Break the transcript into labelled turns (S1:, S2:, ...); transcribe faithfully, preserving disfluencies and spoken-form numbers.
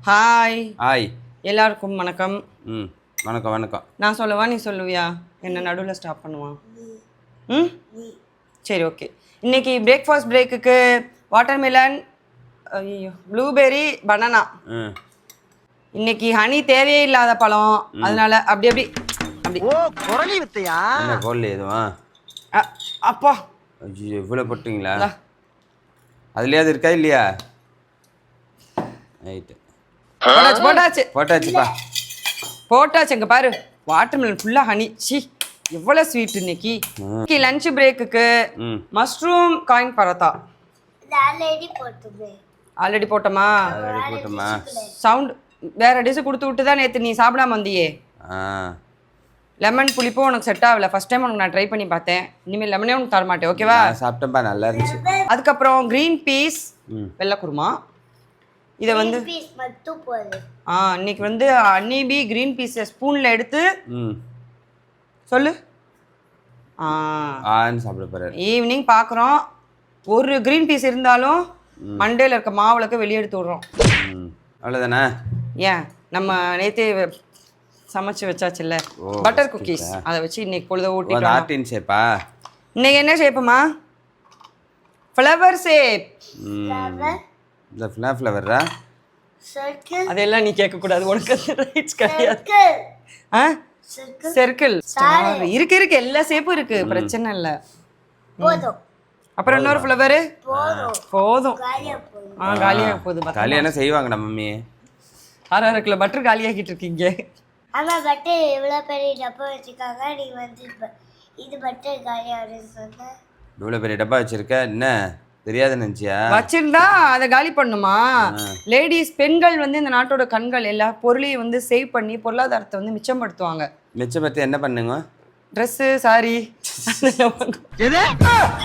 S1: Hi
S2: hi
S1: எல்லாருக்கும் வணக்கம்.
S2: ம் வணக்கம் வணக்கம்.
S1: நான் சொல்லவா நீ சொல்லுவியா? என்ன நடுவில் ஸ்டாப் பண்ணுவான்? ம் சரி ஓகே. இன்னைக்கு பிரேக்ஃபாஸ்ட் பிரேக்குக்கு வாட்டர்மெலன், ஐயோ ப்ளூபெர்ரி, பனானா.
S2: ம்
S1: இன்னைக்கு ஹனி தேவையே இல்லாத பழம், அதனால அப்படி அப்படி அப்படி.
S3: ஓ குரலி வித்தையா?
S2: என்ன கோல் எதுவும்?
S1: அ- அப்பா
S2: ஐயோ இவ்வளோ போட்டிங்களா? அதுலேயாவது இருக்கா இல்லையா? ரைட்டு
S1: போட்டாச்சு போட்டாச்சு
S2: போட்டாச்சுப்பா.
S1: போட்டாச்சு. இங்கே பாரு, வாட்டர்மெலன் ஃபுல்லாக ஹனி. சி எவ்வளோ ஸ்வீட் இன்னைக்கு. இன்னைக்கு லஞ்ச் பிரேக்குக்கு
S2: ம்
S1: மஷ்ரூம் காயின் பரோட்டா.
S4: ஆல்ரெடி போட்டுமே
S1: ஆல்ரெடி போட்டோமா?
S2: ஆல்ரெடி போட்டோமா?
S1: சவுண்ட் வேற டிஷ் கொடுத்து விட்டு தான் நேற்று நீ சாப்பிடாம வந்தியே.
S2: ஆ
S1: லெமன் புளிப்பும் உனக்கு செட் ஆகல. ஃபர்ஸ்ட் டைம் உனக்கு நான் ட்ரை பண்ணி பார்த்தேன். இனிமேல் லெமனே உனக்கு தர மாட்டேன், ஓகேவா?
S2: நான் சாப்பிட்டேன்ப்பா, நல்லா இருந்துச்சு.
S1: அதுக்கப்புறம் க்ரீன் பீஸ்
S2: ம்
S1: வெள்ளை குருமா. இதை வந்து
S4: பீஸ் மட்டும் போடு.
S1: ஆ இன்னைக்கு வந்து அன்னிபி க்ரீன் பீஸை ஸ்பூனில் எடுத்து
S2: ம்
S1: சொல்லு. ஆ
S2: ஆன்னு சாப்பிட போகிறாரு.
S1: ஈவினிங் பார்க்குறோம். ஒரு க்ரீன் பீஸ் இருந்தாலும் மண்டேல இருக்க மாவுளக்க வெளியே எடுத்து விட்றோம்.
S2: ம் அவ்வளோதானே?
S1: ஏன் நம்ம நேற்றே சமைச்சு வச்சாச்சுல்ல
S2: ஓ,
S1: பட்டர் குக்கீஸ், அதை வச்சு இன்னைக்கு பொழுத
S2: ஒரு
S1: ஊட்டிக்கலாம்.
S2: ஆர்டின் ஷேப்பா?
S1: இன்னைக்கு என்ன ஷேப்புமா? Flower shape.
S2: ம் இந்த ஃப்ளவர் ஃப்ளவரா?
S4: சர்க்கிள்
S1: அதெல்லாம் நீ கேட்கக்கூடாது, உனக்கு ரைட்ஸ் கிடையாது.
S4: சர்க்கிள்
S1: ஆ
S4: சர்க்கிள்
S1: சர்க்கிள் ஸ்டார் இருக்கு இருக்கு, எல்லா ஷேப்பும் இருக்கு, பிரச்சனை இல்லை.
S4: போதும்
S1: அப்புறம் இன்னொரு ஃப்ளவரு
S4: போதும்
S1: போதும்.
S4: காலியா போதும்.
S1: ஆ காலியாக போகுது.
S2: கல்யாணம் செய்வாங்கடா மம்மி.
S1: அரை அரை கிலோ பட்டர் காலியாகிட்டு இருக்கீங்க.
S4: ஆனா பட்டர் எவ்வளவு பெரிய டப்பா வச்சிருக்காங்க. நீ வந்து இப்ப இது பட்டர் காலியா சொன்ன.
S2: இவ்வளோ பெரிய டப்பா வச்சிருக்க, என்ன தெரியாது நினச்சியா?
S1: வச்சிருந்தா அதை காலி பண்ணுமா? லேடிஸ் பெண்கள் வந்து இந்த நாட்டோட கண்கள். எல்லா பொருளையும் வந்து சேவ் பண்ணி பொருளாதாரத்தை வந்து மிச்சப்படுத்துவாங்க.
S2: மிச்சம் பற்றி என்ன பண்ணுங்க?
S1: Dress, sorry.
S3: எது